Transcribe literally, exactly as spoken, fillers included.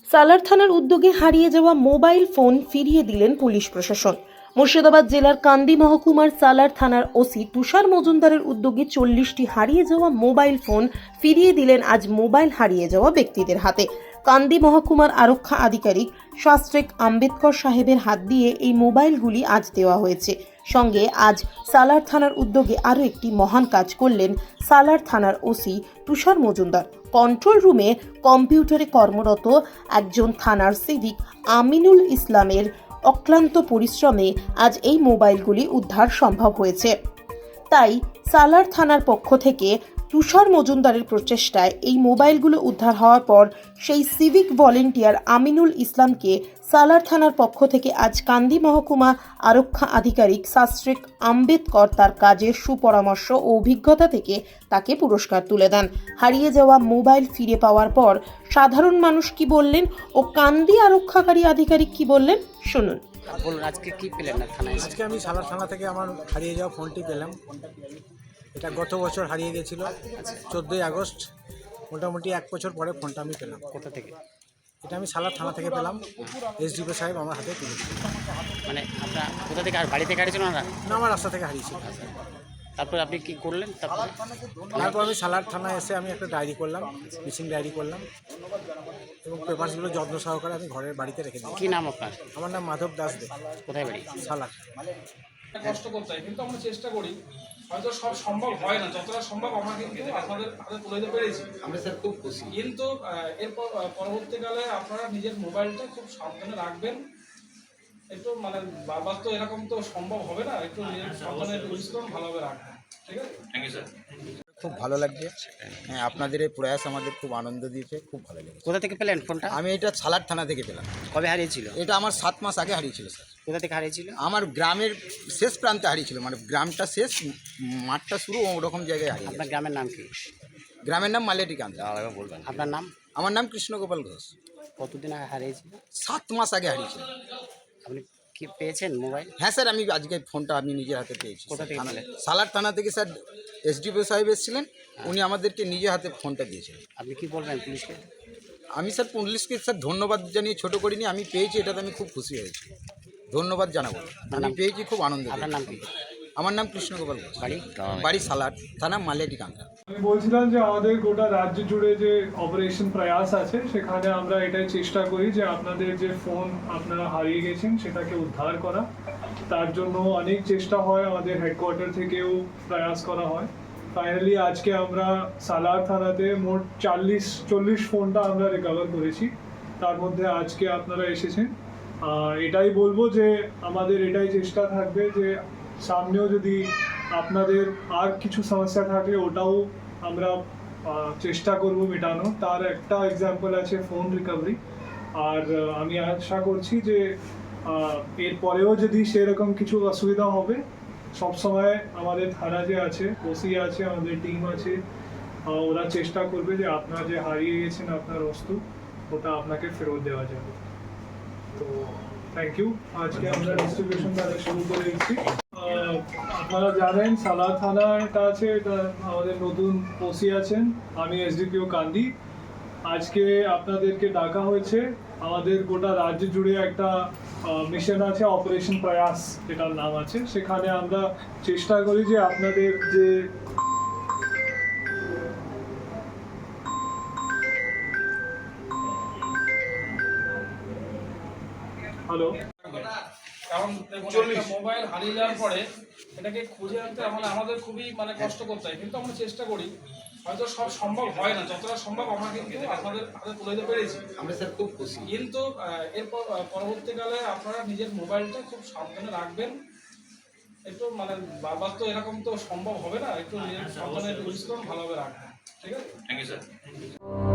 সালার থানার উদ্যোগে হারিয়ে যাওয়া মোবাইল ফোন ফিরিয়ে দিলেন পুলিশ প্রশাসন। মুর্শিদাবাদ জেলার কান্দি মহকুমার সালার থানার ওসি তুষার মজুমদারের উদ্যোগে চল্লিশটি হারিয়ে যাওয়া মোবাইল ফোন ফিরিয়ে দিলেন আজ মোবাইল হারিয়ে যাওয়া ব্যক্তিদের হাতে। কান্দি মহকুমার আরক্ষা আধিকারিক শাস্ত্রেক আম্বেদকর সাহেবের হাত দিয়ে এই মোবাইলগুলি আজ দেওয়া হয়েছে। সঙ্গে আজ সালার থানার উদ্যোগে আরও একটি মহান কাজ করলেন সালার থানার ওসি তুষার মজুমদার। কন্ট্রোল রুমে কম্পিউটারে কর্মরত একজন থানার সিভিক আমিনুল ইসলামের অক্লান্ত পরিশ্রমে আজ এই মোবাইলগুলি উদ্ধার সম্ভব হয়েছে। তাই সালার থানার পক্ষ থেকে তুষার মজুমদারের প্রচেষ্টায় এই মোবাইলগুলো উদ্ধার হওয়ার পর সেই সিভিক ভলেন্টিয়ার আমিনুল ইসলামকে সালার থানার পক্ষ থেকে আজ কান্দি মহকুমা আরক্ষা আধিকারিক শাস্ত্রেক আম্বেদকর তার কাজের সুপরামর্শ ও অভিজ্ঞতা থেকে তাকে পুরস্কার তুলে দেন। হারিয়ে যাওয়া মোবাইল ফিরে পাওয়ার পর সাধারণ মানুষ কি বললেন ও কান্দি আরক্ষাকারী আধিকারিক কি বললেন শুনুন। বলুন, আজকে কি পেলেন না থানায়? আজকে আমি সালার থানা থেকে আমার হারিয়ে যাওয়া ফোনটি পেলাম। এটা গত বছর হারিয়ে গেছিলো চোদ্দোই আগস্ট, মোটামুটি এক বছর পরে ফোনটা আমি পেলাম। কোথা থেকে? এটা আমি সালার থানা থেকে পেলাম। এসডিপি সাহেব আমার হাতে তুলেছিল। মানে আপনার কোথা থেকে? আর বাড়ি থেকে হারিয়েছিল না? না, আমার রাস্তা থেকে হারিয়েছিল। তারপর আপনি কি করলেন? তারপর তারপর আমি সালার থানায় এসে আমি একটা ডায়েরি করলাম, মিসিং ডায়েরি করলাম এবং পেপারসগুলো যত্ন সহকারে আমি ঘরের বাড়িতে রেখে দিই। কি নাম আপনার? আমার নাম মাধব দাস দে। কোথায় বাড়ি? সালার। কষ্ট করতে হয়, কিন্তু আমরা চেষ্টা করি। হয়তো সব সম্ভব হয় না, যতটা সম্ভব আমরা কিন্তু আপনাদের হাতে তুলে দিতে পেরেছি। আমরা স্যার খুব খুশি। কিন্তু এরপর পরবর্তীকালে আপনারা নিজের মোবাইলটা খুব সাবধানে রাখবেন। একটু মানে বারবার তো এরকম তো সম্ভব হবে না, একটু নিজের সাবধানে ইউজ করুন, ভালোভাবে রাখবেন। ঠিক আছে, থ্যাংক ইউ স্যার। খুব ভালো লাগছে। হ্যাঁ, আপনাদের এই প্রয়াস আমাদের খুব আনন্দ দিয়েছে, খুব ভালো লেগেছে। কোথা থেকে পেলেন ফোনটা? আমি এটা সালার থানা থেকে পেলাম। কবে হারিয়েছিল? এটা আমার সাত মাস আগে হারিয়েছিল স্যার। কোথা থেকে হারিয়েছিল? আমার গ্রামের শেষ প্রান্তে হারিয়েছিল, মানে গ্রামটা শেষ, মাঠটা শুরু, ওরকম জায়গায় হারিয়ে আপনার গেছে। গ্রামের নাম কি? গ্রামের নাম মালিয়াটি কান্দ। বলবেন আপনার নাম? আমার নাম কৃষ্ণগোপাল ঘোষ। কতদিন আগে হারিয়েছিল? সাত মাস আগে হারিয়েছিল। আপনি কি পেয়েছেন মোবাইল? হ্যাঁ স্যার, আমি আজকে ফোনটা আমি নিজের হাতে পেয়েছি। কোথা থেকে পেলেন? সালার থানা থেকে স্যার এসডিপিও সাহেব এসেছিলেন, উনি আমাদেরকে নিজের হাতে ফোনটা দিয়েছিলেন। আপনি কি বলবেন পুলিশকে? আমি স্যার পুলিশকে স্যার ধন্যবাদ জানিয়ে ছোটো করিনি, আমি পেয়েছি, এটাতে আমি খুব খুশি হয়েছি। ধন্যবাদ জানাবো, আমি পেয়েছি, খুব আনন্দ। আপনার নাম কি? আমার নাম কৃষ্ণগোপাল ঘোষ। বাড়ি? বাড়ি সালার থানা মালিয়াটি কান্দা। আমি বলছিলাম যে আমাদের গোটা রাজ্য জুড়ে যে অপারেশন প্রয়াস আছে সেখানে আমরা এটাই চেষ্টা করি যে আপনাদের যে ফোন আপনারা হারিয়ে গেছেন সেটাকে উদ্ধার করা। তার জন্য অনেক চেষ্টা হয়, আমাদের হেডকোয়ার্টার থেকেও প্রয়াস করা হয়। ফাইনালি আজকে আমরা সালার থানাতে মোট চল্লিশ চল্লিশ ফোনটা আমরা রিকভার করেছি। তার মধ্যে আজকে আপনারা এসেছেন। এটাই বলবো যে আমাদের এটাই চেষ্টা থাকবে যে সামনেও যদি আপনাদের আর কিছু সমস্যা থাকলে ওটাও আমরা চেষ্টা করব মেটানো। তার একটা এক্সাম্পল আছে ফোন রিকভারি। আর আমি আশা করছি যে এরপরেও যদি সেরকম কিছু অসুবিধা হবে, সবসময় আমাদের থানা যে আছে, ওসি আছে, আমাদের টিম আছে, ওরা চেষ্টা করবে যে আপনার যে হারিয়ে গেছেন আপনার বস্তু ওটা আপনাকে ফেরত দেওয়া যাবে। তো থ্যাংক ইউ। আজকে আমরা ডিস্ট্রিবিউশন তাহলে শুরু করে দিচ্ছি। আপনারা জানেন সালার থানাটা আছে, এটা আমাদের নতুন ওসি আছেন, আমি এসডিপিও কান্দি। আজকে আপনাদেরকে ডাকা হয়েছে, আমাদের গোটা রাজ্য জুড়ে একটা মিশন আছে অপারেশন প্রয়াস যেটার নাম আছে। সেখানে আমরা চেষ্টা করি যে আপনাদের যে হ্যালো কারণ দেখুন, একটা মোবাইল হারিয়ে যাওয়ার পরে এটাকে খুঁজে আনতে মানে আমাদের খুবই মানে কষ্ট করতে হয়, কিন্তু আমরা চেষ্টা করি। হয়তো সব সম্ভব হয় না, যতটা সম্ভব আমরা কিন্তু আপনাদের হাতে তুলে দিতে পেরেছি। আমরা স্যার খুব খুশি। কিন্তু এরপর পরবর্তীকালে আপনারা নিজের মোবাইলটা খুব সাবধানে রাখবেন। একটু মানে বারবার তো এরকম তো সম্ভব হবে না, একটু নিজের সাবধানে ইউজ করুন, ভালোভাবে রাখবেন। ঠিক আছে, থ্যাংক ইউ স্যার।